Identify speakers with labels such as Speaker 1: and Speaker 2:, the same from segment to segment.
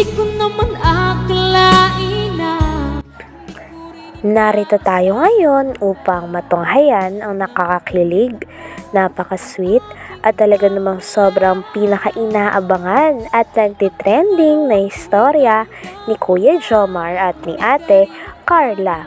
Speaker 1: Di ko naman akalain na
Speaker 2: Narito tayo ngayon upang matunghayan ang nakakakilig, napaka-sweet at talaga namang sobrang pinaka-inaabangan at nagtitrending na istorya ni Kuya Jomar at ni Ate Carla.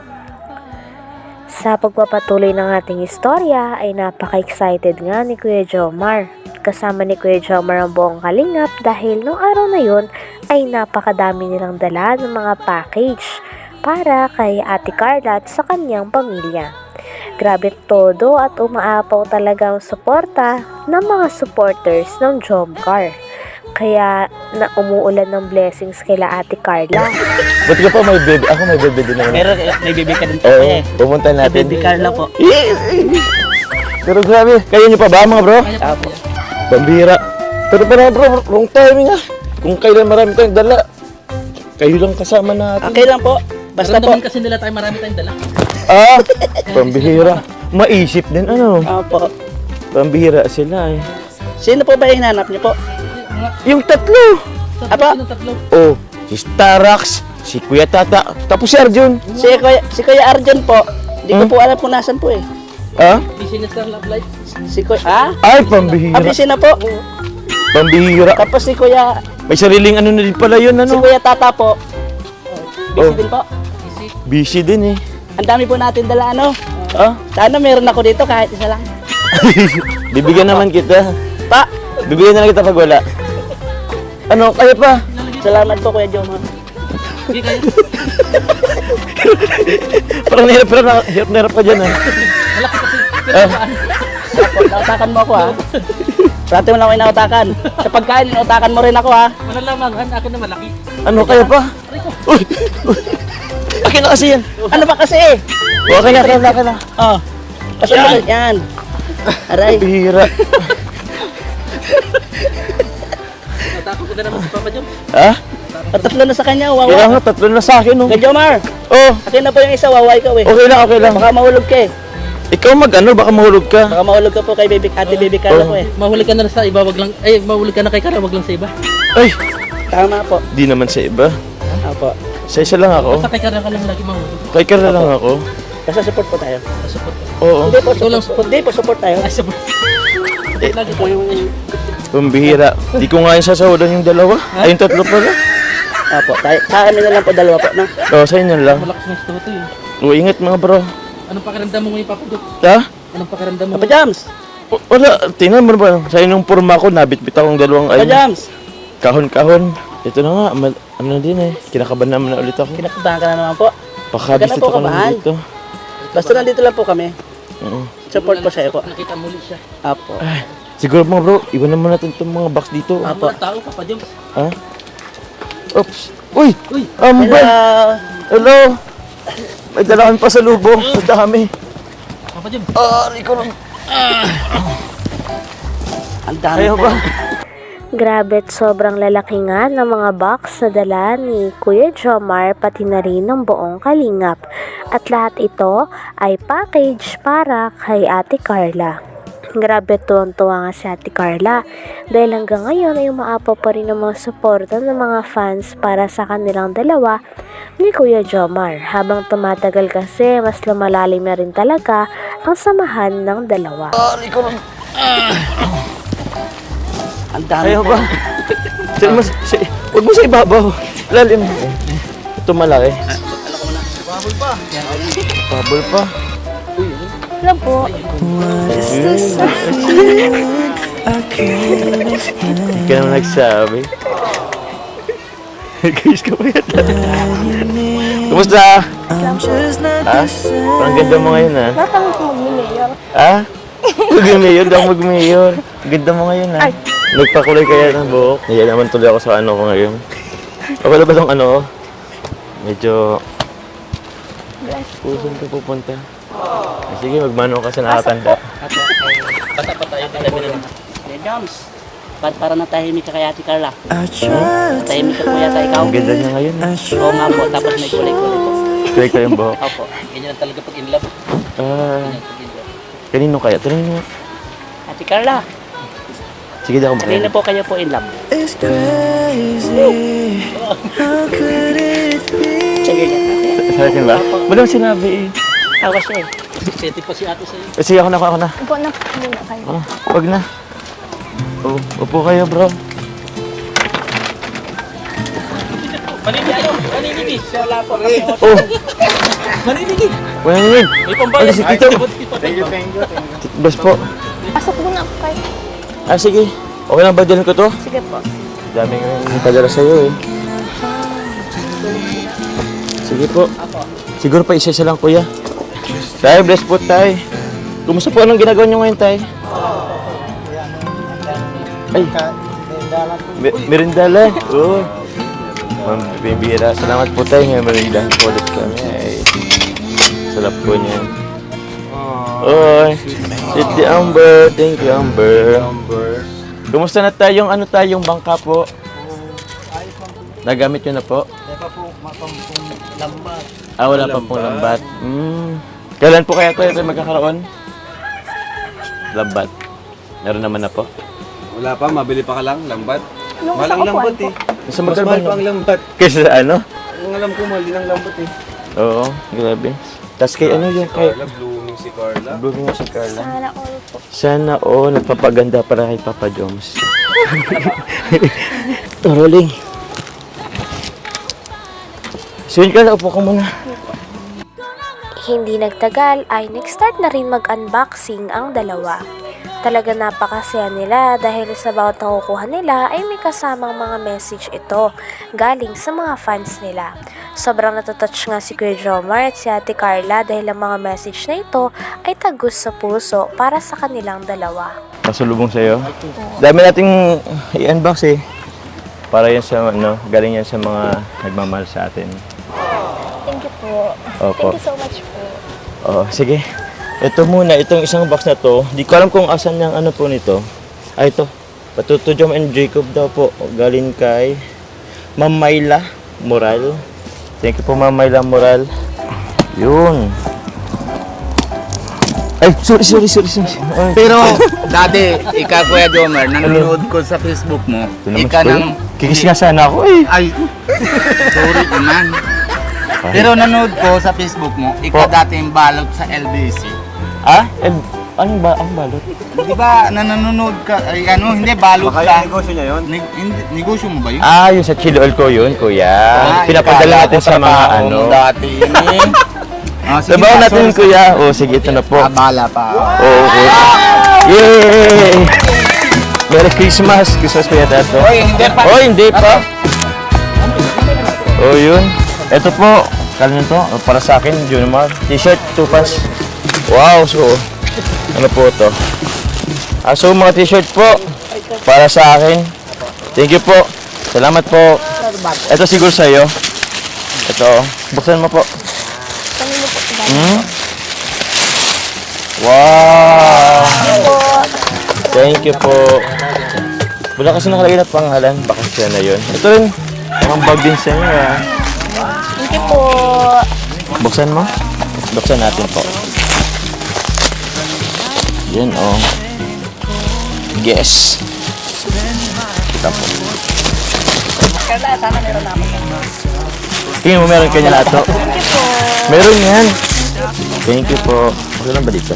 Speaker 2: Sa pagpapatuloy ng ating istorya ay napaka-excited nga ni Kuya Jomar. Kasama ni Kuya Jomar ang buong kalingap dahil nung araw na yun ay napakadami nilang dala ng mga package para kay Ate Carla at sa kanyang pamilya. Grabe todo at umaapaw talaga ang suporta ng mga supporters ng Jomcar. Kaya na umuulan ng blessings kila Ate Carla.
Speaker 3: Buti ka pa may baby. Ako may baby din naman.
Speaker 4: Pero may baby ka din po
Speaker 3: Oo,
Speaker 4: eh.
Speaker 3: pupunta natin.
Speaker 4: Baby Carla po.
Speaker 3: Pero grabe, kayo niyo pa ba mga bro?
Speaker 4: Apo.
Speaker 3: Pambira. Pero parang bro, wrong timing ah. Kung kailan marami tayong dala, kayo lang kasama natin.
Speaker 4: Okay lang po. Basta po.
Speaker 5: Kasi nila tayo marami tayong dala.
Speaker 3: Ah, pambihira. Maisip din ano.
Speaker 4: Apo.
Speaker 3: Pambihira sila eh.
Speaker 4: Sino po ba yung hinanap niyo po?
Speaker 3: Yung tatlo.
Speaker 4: Apa?
Speaker 5: Tatlo.
Speaker 3: Oh, si Starax, si Kuya Tata, tapos si Arjun.
Speaker 4: Si Kuya Arjun po. Hindi ko po alam kung nasan po eh.
Speaker 3: Ah?
Speaker 5: Business ng Love Life.
Speaker 4: Si Kuya, ah?
Speaker 3: Ay, pambihira.
Speaker 4: Abisi na po.
Speaker 3: Pambihira.
Speaker 4: Tapos si Kuya,
Speaker 3: May sariling ano na din pala yun,
Speaker 4: si
Speaker 3: ano?
Speaker 4: Kuya Tata po. Busy
Speaker 3: Oh.
Speaker 4: din po.
Speaker 3: Busy din eh.
Speaker 4: Ang dami po natin dala ano.
Speaker 3: Ah?
Speaker 4: Sana meron ako dito kahit isa lang.
Speaker 3: Bibigyan naman kita.
Speaker 4: Pa,
Speaker 3: Bibigyan na lang kita pag wala. Ano, kaya pa?
Speaker 4: salamat po Kuya Jomar.
Speaker 5: Hindi kayo.
Speaker 3: Parang hirap ka dyan ah.
Speaker 5: Malaki kasi.
Speaker 3: Ah,
Speaker 4: Apo, nautakan mo ako ha. Parati mo lang ako inautakan. Sa pagkain, inautakan mo rin ako ha.
Speaker 5: Malalamangan. Akin na malaki.
Speaker 3: ano, kaya pa? Uy! Uy! Akin na kasi yan.
Speaker 4: Ano ba kasi?
Speaker 3: Okay na.
Speaker 4: Oh. Kasi yan. Aray.
Speaker 3: Bihira.
Speaker 5: Natakot ko na naman si Papa Jom.
Speaker 3: Ha?
Speaker 4: Tatlo na sa kanya,
Speaker 3: Kaya
Speaker 4: wawa.
Speaker 3: nga, tatlo na sa akin oh.
Speaker 4: Kuya Jomar,
Speaker 3: Oh,
Speaker 4: akin na po yung isa, wawa ikaw eh.
Speaker 3: okay lang.
Speaker 4: Baka mahulog ka eh.
Speaker 3: Ikaw mag-ano, baka mahulog ka.
Speaker 4: Baka mahulog ka po kay Ate Baby Carla
Speaker 3: Oh.
Speaker 4: po eh.
Speaker 5: Mahuli ka na sa iba, wag lang. Mahuli ka na kay Kara, wag lang sa iba.
Speaker 3: Ay,
Speaker 4: Tama po.
Speaker 3: di naman sa iba.
Speaker 4: Apo.
Speaker 3: Sa isa lang ako.
Speaker 5: Basta kay Kara ka lang lagi mahuli.
Speaker 3: Kay Kara lang ako.
Speaker 4: Basta support po tayo.
Speaker 5: Support.
Speaker 3: Oo.
Speaker 4: Hindi po,
Speaker 5: Ikaw lang
Speaker 4: support. Hindi po, support tayo.
Speaker 5: Ay, support. Lagi
Speaker 4: Po yung...
Speaker 3: Pambihira. Di ko nga yung sasawadan yung dalawa. Ay, yung tatlo pala.
Speaker 4: Apo, tayo. Sa amin na lang po, dalawa po, no?
Speaker 3: Oo, sa inyo lang.
Speaker 5: malakas ng gusto to eh.
Speaker 3: O, ingat mga bro.
Speaker 5: Anong pakiramdam mo ngayon, Papa Jom?
Speaker 3: Ha?
Speaker 5: Anong pakiramdam mo?
Speaker 4: Papa Jams!
Speaker 3: Wala, tingnan mo ba? Sa inyong purma ko, nabit-bit akong dalawang
Speaker 4: Papa Jams!
Speaker 3: kahon-kahon. Ito na nga, ano na din eh. Kinakabahan naman na ulit ako.
Speaker 4: Kinakabahan ka na naman po.
Speaker 3: Pakabis
Speaker 4: Huwag ka na
Speaker 3: dito
Speaker 4: po
Speaker 3: ka lang
Speaker 4: kabahan.
Speaker 3: dito.
Speaker 4: Basta nandito lang po kami.
Speaker 3: Oo.
Speaker 4: Support po siya po.
Speaker 5: Nakita muli siya.
Speaker 4: Apo.
Speaker 3: Ay, siguro mga bro, iwan naman natin itong mga box dito.
Speaker 4: Apo.
Speaker 5: Ano tao, Papa Jom?
Speaker 3: Ha? Oops. Uy!
Speaker 5: Uy!
Speaker 3: Ambal!
Speaker 4: Hello!
Speaker 3: Hello! May dala kami pa sa lubong. Ang dami.
Speaker 5: Papa Jom.
Speaker 3: Ikaw lang.
Speaker 4: Ang dami
Speaker 3: Kaya
Speaker 4: po.
Speaker 3: ba?
Speaker 2: Grabe at sobrang lalaki nga ng mga box na dala ni Kuya Jomar pati na rin ng buong kalingap. At lahat ito ay package para kay Ate Carla. Grabe tuwang-tuwa nga si Ate Carla dahil hanggang ngayon ay umaapaw pa rin ang mga suporta ng mga fans para sa kanilang dalawa ni Kuya Jomar. Habang tumatagal kasi mas lumalalim na rin talaga ang samahan ng dalawa.
Speaker 3: Ikaw lang.
Speaker 4: Ang dami
Speaker 3: Kaya
Speaker 4: po.
Speaker 3: ba? Huwag mo sa ibabaw. Lalim. Ito malaki. Bubble pa.
Speaker 2: Alam po.
Speaker 3: Hindi ka naman nagsabi. Guys ka pa yata. Kumusta? Ha? Parang ganda mo ngayon ha?
Speaker 2: Natangos mo mag-mayor.
Speaker 3: Ha? Mag-mayor? Daw mag-mayor. Ganda mo ngayon ha? Nagpakulay kaya ng buhok. Naya naman tuloy ako sa ano ko ngayon. Wala ba itong ano? Medyo... Pusan ka pupunta. Sige, magmano ka sa nakatanda.
Speaker 4: Apo. Basta pa tayo tabi naman. Kuya Jams, para natahimik ka kay Ate Carla. Tahimik ka po yata ikaw.
Speaker 3: Ang ganda niya ngayon.
Speaker 4: Oo nga po, tapos may kulay-kulay po.
Speaker 3: Kulay kayong buhok.
Speaker 4: Opo.
Speaker 5: Ganyan ang talaga pag in love.
Speaker 3: Ah,
Speaker 5: Ganyan pag in love.
Speaker 3: kanino kaya? Tanongin mo.
Speaker 4: Ate Carla,
Speaker 3: Sige, daw
Speaker 4: kanina
Speaker 3: makaya.
Speaker 4: po kayo po in love. Sige ka.
Speaker 3: Sa akin ba? Wala akong sinabi eh.
Speaker 4: Tawas siya eh.
Speaker 5: Seti pa si ate sa'yo.
Speaker 3: Sige, ako na.
Speaker 6: Upo na muna kayo.
Speaker 3: Ako na. Wag na. Upo kayo, bro.
Speaker 5: Maninigi. Wala po.
Speaker 3: Oh,
Speaker 5: Maninigi.
Speaker 3: wala yun.
Speaker 5: May pambayad.
Speaker 3: Si Tito.
Speaker 5: Thank you.
Speaker 3: Boss po.
Speaker 6: Pasok muna po kayo.
Speaker 3: Sige. Okay lang ba dyan ko to?
Speaker 6: Sige po.
Speaker 3: Dami nga yung padala sa'yo eh. Sige po. Siguro pa isa-isa lang, kuya. Tay, bless po, tay. Kumusta po? Anong ginagawa nyo ngayon, tay? Ay, merindala. Oo. Ma'am, bibira. Salamat po, tay. May merindahan po ulit kami. Ay, sarap po niya. Oy, City Amber. Thank you, Amber. Kumusta na tayong tayong bangka po? Nagamit nyo na po? Wala pa pong lambat. Kailan po kaya tayo magkakaroon? Lambat. Meron naman na po.
Speaker 7: Wala pa, mabili pa ka lang, lambat.
Speaker 6: Yung
Speaker 7: Mahal
Speaker 6: sa
Speaker 7: ang lambat eh.
Speaker 3: Nasa
Speaker 7: Mas mahal pa ang lambat.
Speaker 3: Kaysa sa ano?
Speaker 7: Ang alam ko, mahal din ang lambat eh.
Speaker 3: Oo, grabe. Tapos kay ano yung kay...
Speaker 7: Carla, blooming si Carla.
Speaker 3: Blooming mo si Carla.
Speaker 6: Sana all po.
Speaker 3: Sana nagpapaganda para kay Papa Joms. Rolling. So yun, Carla, upo ka muna.
Speaker 2: Hindi nagtagal ay nag-start na rin mag-unboxing ang dalawa. Talaga napakasaya nila dahil sa bawat nakukuha nila ay may kasamang mga message ito galing sa mga fans nila. Sobrang natouch nga si Kuya Jomar at si Ate Carla dahil ang mga message na ito ay tagus sa puso para sa kanilang dalawa.
Speaker 3: Pasulubong sa'yo. Dami nating i-unbox eh. Para yan sa galing yan sa mga nagmamahal sa atin.
Speaker 6: Thank you po.
Speaker 3: Opo.
Speaker 6: Thank you so much po.
Speaker 3: Sige. Ito muna, itong isang box na to. Di ko alam kung asan yung po nito. Ito. Patuto Jom and Jacob daw po. Galing kay Ma'am Myla Moral. Thank you po, Ma'am Myla Moral. Yun. Ay, sorry. Ay,
Speaker 8: Pero, dati, ikaw Kuya Jomar, nanonood ko sa Facebook mo.
Speaker 3: ito naman
Speaker 8: Ika
Speaker 3: si Kuya.
Speaker 8: nang...
Speaker 3: Kikis nga sana ako eh.
Speaker 8: Ay, sorry naman. Pero nanonood ko sa Facebook mo, ikaw
Speaker 3: Po.
Speaker 8: dati yung balot sa LBC.
Speaker 3: Ano ba ang balot?
Speaker 8: Di ba, nanonood ka, ay hindi, balot ka.
Speaker 7: negosyo niya yun?
Speaker 8: Negosyo mo ba yun?
Speaker 3: Yung sa chili oil ko yun, kuya. Pinapadala natin sa mga
Speaker 8: Dati yun eh. Sige,
Speaker 3: Sabaw natin,
Speaker 8: sorry.
Speaker 3: kuya. Sige, ito na po.
Speaker 8: Bala pa.
Speaker 3: Oo, kuya. Yay! Merry Christmas! Christmas kuya Tato.
Speaker 8: Oy, hindi pa.
Speaker 3: Hindi pa. Yun. Ito po. Kala nyo to? Para sa akin, Junimar. T-shirt, tupas. Wow, so. Ano po to? So, mga t-shirt po. Para sa akin. Thank you po. Salamat po. Ito siguro sa'yo. Ito. Buksan mo po. Wow! Thank you po. Wala kasi nakalagay na pangalan. Baka siya na yun. Ito rin. Ang bag din sa inyo.
Speaker 6: Thank you po.
Speaker 3: Buksan mo. Buksan natin po. Yan Yes. Kita po.
Speaker 6: Carla, sana meron namin.
Speaker 3: Tingin mo meron kanya lahat to?
Speaker 6: Thank you po.
Speaker 3: Meron yan. Thank you po. Okay lang ba dito?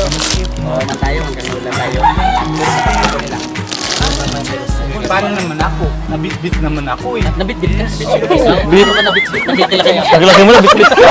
Speaker 8: Paano naman ako? Nabitbit naman ako eh.
Speaker 5: Nabitbit ka.
Speaker 3: Bit.
Speaker 5: Ano ka nabitbit? Nakikilaki mo.
Speaker 3: Naglaki mo na, bit-bit ka.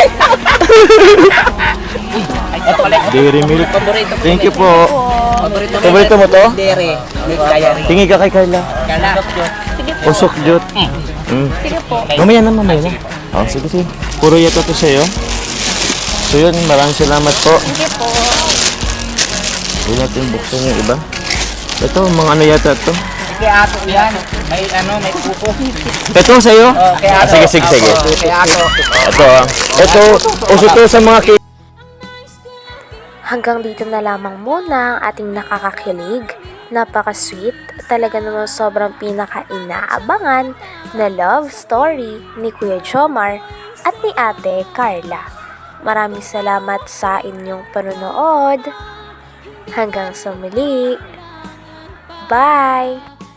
Speaker 5: Ito pala.
Speaker 3: Dairy milk.
Speaker 5: Paborito ko.
Speaker 3: Thank you po.
Speaker 5: Paborito ko.
Speaker 3: Paborito mo to?
Speaker 5: Dere. Diary.
Speaker 3: Tingin ka kay Carla.
Speaker 5: Kala.
Speaker 6: Sige po.
Speaker 3: Usok jut.
Speaker 6: Sige po.
Speaker 3: Mamaya na. Sige. Puro yata to sa'yo. So yun, maraming salamat po.
Speaker 6: Sige po.
Speaker 3: Hindi natin buksan yung iba. Ito, mga ano yata to.
Speaker 8: Kay ato yan. May pupo.
Speaker 3: Ito sa'yo?
Speaker 8: Kay ato.
Speaker 3: Sige.
Speaker 8: Kay ato.
Speaker 3: Ito, uso to sa mga
Speaker 2: Hanggang dito na lamang muna ang ating nakakakilig, napaka-sweet, talaga naman sobrang pinaka-inaabangan na love story ni Kuya Jomar at ni Ate Carla. Maraming salamat sa inyong panonood. Hanggang sa muli. Bye!